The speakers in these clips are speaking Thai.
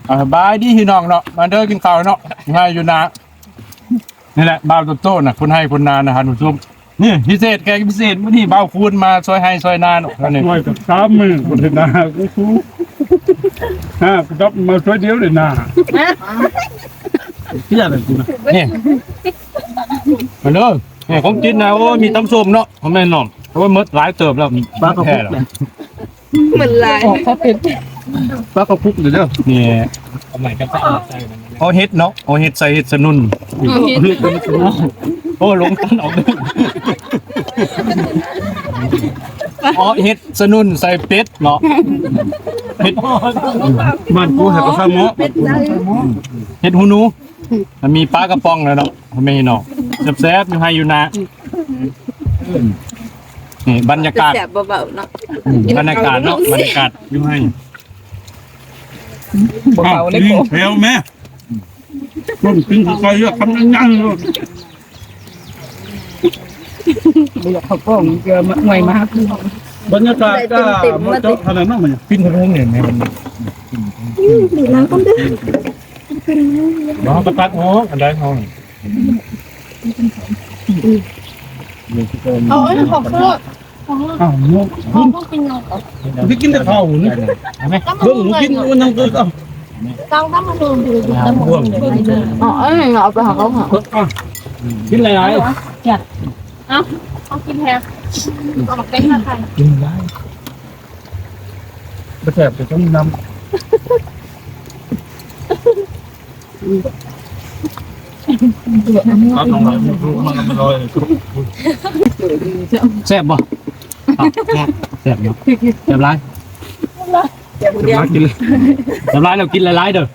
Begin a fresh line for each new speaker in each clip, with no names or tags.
บายดีพี่น้องเนาะมาเด้อกินข้าวเนาะง่ายอยู่นะนี่แหละบ่าวโตๆน่ะคนให้คนนานะฮะหนุ่มนี่พิเศษแกพิเศษมื้อนี้บ่าวคูณมาซอยให้ซอยนาเนาะนี่
หน่อยกับ30,000คนนะกูฟูกูจับมาช่วยเดียวเลยนะเฮียอะไรกูนะ
นี่มาเด้อนี่ของกินนะโอ้มีตำส้มเนาะพ่อแม่น้องเพราะว่ามื้อหลายเติบแล้วบ้ากระพุกแล้ว
เหมือนลายเขาเป็น
ปลากระพุกเด้อ
นี่เอาใหม่กันใส่เอาเฮ็ดเนาะเอาเฮ็ดใส่เฮ็ดสนุนโอ้ลงตันออกเด้ออ๋อเฮ็ดสนุนใส่เป็ดเนาะเฮ็ด
บ้านกูให้กับข้าวหม้อ
เฮ็ดหูหนูมันมีปลากระป๋องแล้วเนาะไม่เนาะแซ่บๆอยู่ให้อยู่นะนี่บรรยากาศ
แสบเบาๆเนาะ
บรรยากาศเนาะบรรยากาศอยู่ให้
เบาเล็กเพียวแม่ต้นกินไก่เยอะคำยังๆเลย
เดี๋ยวเขาป้องเจอหน่วยมาก
บรรยากาศก็มาเจาะขนาดนั้นมัน
ปิ้นเพิ่งเนี่ยมัน
ดูน้ำกันด้วย
น้องกระตักห้องอันใดห้อง
เอาไอ้ของเพื่อ
อ้าวงง
ต้องกินนม
ที่กินแต่ข้าวนี่เบิ่งกินมันยังเกิดอ่ะ
ต้องทำมาดูดูน้ำมันอ๋อเอ้ยเอาไปหาเขาหา
กินอะไร
เขากินแทนเอามาเป็นอะไร
กินได้ไปแสบไปต้องน้ำเอาตรงนั้นมันลอย
แซ่บบ่แซ่บเนาะแซ่บหลาย
มากินเลย
แซ่บหลายเรากินหลายๆเด้อ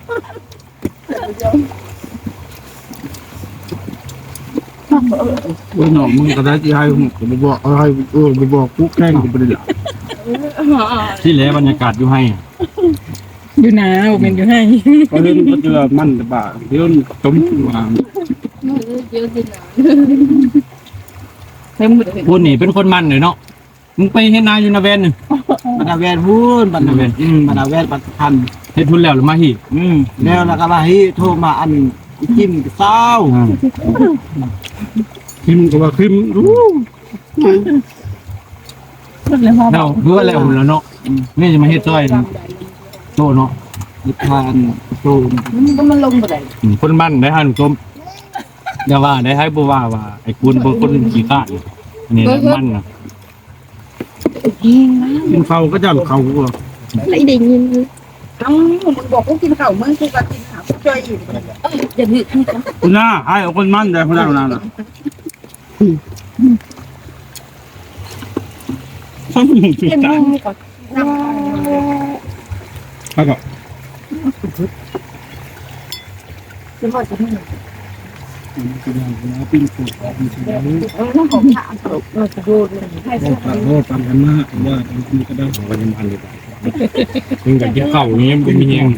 โอ้ยน้องมึงก็ได้ที่ให้ผมบอกให้ไปบอกกูแข่งกูไปเลยล่ะ
ที่เหลือบรรยากาศอยู่ให้
อยู่นาเป็นอยู่ให้
ก็เห็นก็เจอมันแต่บ่าเดี๋ยวต้มวาง
เยอะจริงนะ
เต็มหมด
พูดนี่เป็นคนมันเลยเนาะมึงไปเฮ็ดนาอยู่นาเวนนี่
บรรดาแวนพูนบรรดาแวนบรรดาแวนปัจจุบัน
เฮ็ดทุนแล้วหรือมาฮี
แล้วแล้วก็มาให้โทรมาอันจิ้มเศร้า
คิมก็ว่าคิมรู้
เราเพื่อแล้วแล้วเนาะนี่จะมาเฮ็ดซอยโตเนาะ
นิทานโต
ก็มันลงไปเลย
คนมันได้ฮะหนุ่มอย่าว่าได้ให้บ่ว่าไอ้คุณบ่คนขี้ข้านอันนี้มันน่ะ
กินข้าวก็จะข้าวกู
ไอ้เด็กยิน
ต้องมึงบอกกูกินข้าวมึงกูก็กินข้าวช่วยอีก
อย่าดื้อ
คุณน้าให้เอาคนมันได้คนนั้นน่ะข้าวมึงสุด
เป็น
ตา
มึงก่อน
แล้วก็
จะบอกจะให้
ปิ้งปูปิ้งปู
น้องของถามเราจะดูให้
โอ้ตามกันมากว่าคุณก็ได้
ก็ยังมันอยู่มึงก็กินข้าวอย่างงี้มันมีแฮง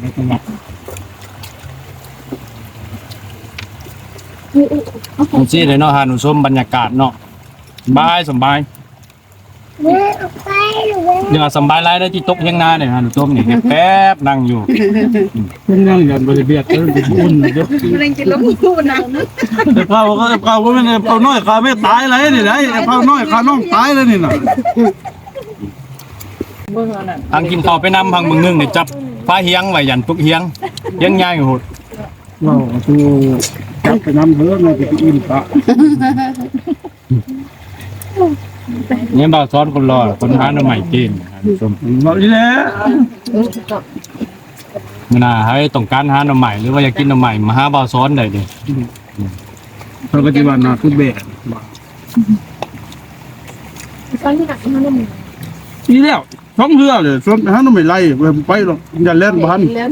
ผมซี่เลยเนาะฮะหนูชมบรรยากาศเนาะสบายยังสบายไรได้ที่ตกเฮียงนาเนี่ยฮะหนูชมเนี่ยแป๊บนั่งอยู่
เพิ่งนั่งยันบริเวณเอออุ่นเยอะ
มันยังกินแล้วกูนะ
แต่ข้าวก็ไม่เนี่ยข้าวน้อยข้าวไม่ตายเลยนี่ได้ข้าวน้อยข้าวน้องตายเลยนี่น่ะ
ทางกินข้าวไปนำพังมึงนึงเนี่ยจับฟ้าเฮียงไว้ยันตุกเฮียงใหญ่โหด
ว้าวตัวจับไปน้ำเหือมันจะอิ่มปะ
เนี่ยบ่าวซ้อนคนรอคนหาหน่อใหม่กินฮะหนูชม
บอกนี่แหละ
มื่อหน้าให้ต้องการหาหน่อใหม่หรือว่าอยากกินหน่อใหม่มาหาบ่าวซ้อนได้ดิ
เราก็จะว่านาคือเบะ
ตอนที่หนักมันต้องมี
นี่แล้วท้องเหือเลยส่วนฮะน้องไม่ไล่ไปหรอกอย่าเล่นบ้าน
แล้ว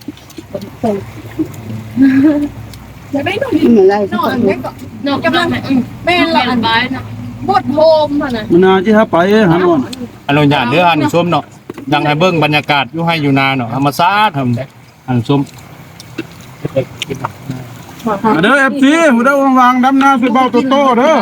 จะได้หน่อย
เหมือนไร
นอนแม่ก็นอนกำลังแม่ละอันบ้านนะบดโฮมอ่ะนะ
มันนาที่ฮะไปฮะนอน
อนุญาตเด้อฮะหนูชมเนาะยังให้เบิ่งบรรยากาศอยู่ให้อยู่นาเนาะธรรมชาติทำอันชม
เด้อ FC หูได้วางดำนาสิเบาโตโตเด้อ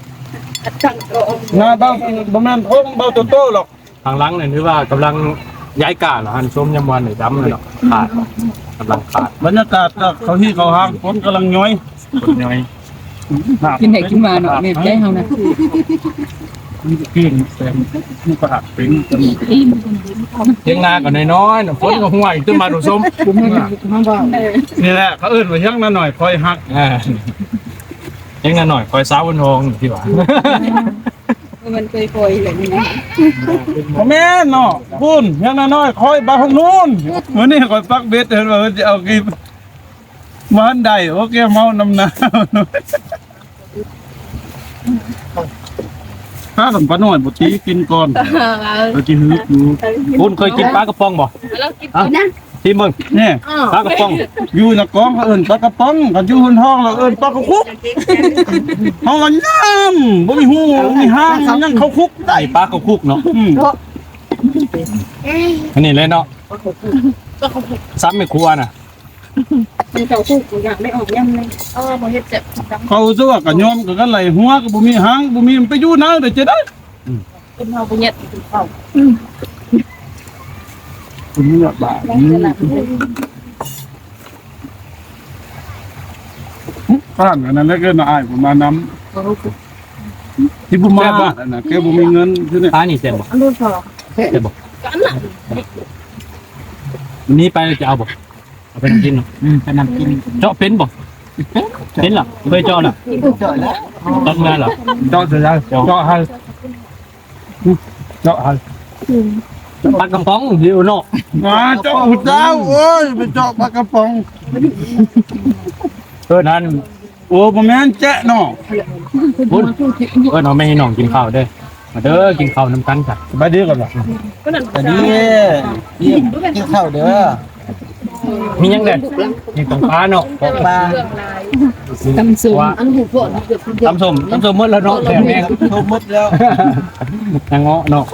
นาเบาบ่แม่นโค้งเบาโตโตหรอก
ทางหลังเนี่ยถือว่ากำลังย้ายกาเหรอฮันส้มยำวันหรือดำเลยเนาะขาดกำลังขาด
บรรยากาศก็เขาที่เขาห้างคนกำลังย้อย
คนน้อย
กินไหนกินมาเนาะเนี่ยใจเฮานะ
มันจะเก่งแต่มันก็หักเป็นจน
เที่ยงนาก็น้อยๆฝนก็ห่วยขึ้นมาดูส้ม
นี่แหละเขาเอื้นมาเที่ยงนั้นหน่อยคอยหัก
เที่ยงนาหน่อยคอยซ้าวันทองที่ว่า
มันเคยปล่อยแบบนี้นะ
แม่นเนาะปุ้นเที่ยงนั้นน้อยคอยไปทางนู้นวันนี้คอยปักเบ็ดเห็นว่าจะเอากินมันได้โอเคเมาน้ำหนาวถ้าสัมปะหน่อยบุตรีกินก่อนเราจะฮึบอยู่
คุณเคยกินปลากระป๋องบ่
แล้วกินนะ
ที่มึง
เนี่ย
ปลากระป๋อง
อยู่ในกองเขาเอิ้นปลากระป๋องกันอยู่บนห้องเราเอิ้นปลากระคุกห้องกันย่ำบ่มีหูบ่มีห้างยังเขาคุกได้
ไอ้ปลากระคุกเนาะ
อืม
อันนี้เลยเนาะซ้ำไม่ครัวน่ะ
มันเจ้าทุกอยากได้ออกย่ำเลย
บ่เฮ็ดเจ็บ
เขาซะว่ากันยอมกันไหลหัวก็บ่มีหางบ่มีมันไปอยู่นะเดี๋ยวจะได้
เป็นเฮาบ่เฮ็ดเฝ้า
คุณนี่บาข้างอันนั้นแล้วก็น่าอายผมมานำที่บ่มาอันน่ะแกบ่มีเงินคือเนี่ย
ปลานี่เจ็บบ่
อันนู้นพอ
เจ็บบ่
กันน่ะ
วันนี้ไปจะเอาบ่เอาไปนำกินเนาะ
ไปนำกิน
เจาะเป็นบ่เป็นเหรอเคยเจาะเหรอ
จอยแล้ว
ต้นงานเหรอ
เจาะเสร็จแล้วเจาะให้เจาะให้
ปลากระป๋องเดียวเนาะ
เจาะหัวเจ้าโอ้ยไปเจาะปลากระป๋อง
นั่น
โอ้บ่แม่นแจ๊ะเนาะ
คุณน้องไม่ให้น้องกินข้าวเด้อมาเด้อกินข้าวน้ำกันจ้ะ
สบายดีก่อนเหรอ
ก็นั่น
แต่นี่กินข้าวเด้อ
มียังเด็ดมีตรงปลาเนาะ
บอกปลา
ตำสูง
ว่า
อันหูฝนเกือบเดียว
ตำส้มหมดแล้วเนาะแถมแม่ง
ทุบหมดแล้ว
นางเงาะเนาะ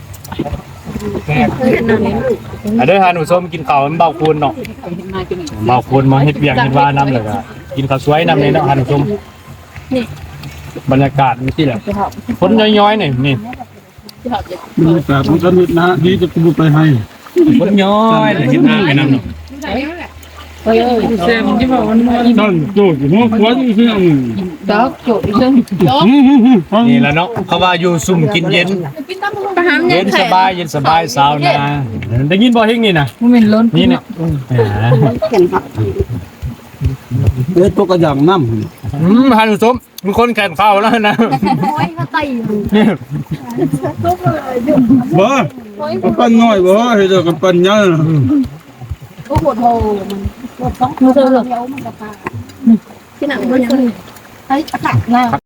เด้อหาหนูส้มกินข้าวมันเบาคูณเนาะเบาคูณมาเฮ็ดเวียงเฮ็ดว่าน้ำเลยก็กินข้าวสวยน้ำเลยเนาะหาหนูส้มบรรยากาศมันที่แหละฝนย้อยๆนี่นี่
บรรยากาศมันก็นิดนะดีจะกูไปให้
ฝนย้อยเลยเฮ็ดหน้าไปน้ำเนาะ
เซมที่บอกมัน
นั่นโจทย์หัวควันเสียง
ดอกโจดซึ่ง
นี่แหละเนาะเขาว่าอยู่ซุ่มกินเย็น
ประหาร
เย็นสบายเย็นสบายสาวนาได้ยินบ่เฮงนี่นะ
มันเป็นล้น
นี่เนี่ย
เอ๊ะตัวกระอย่างน้ำ
หาหนูส้มมีคนแข่งข้าวแล้วนะ
โอ้ยเขาไต
นี่
บ่กระปั้นน้อยบ่เฮ็ดกระปั้นใหญ่
ก็ปวดโหมันปวดท้องเดียวมันก็พาที่หนังมันยังไอ้ตักหน้า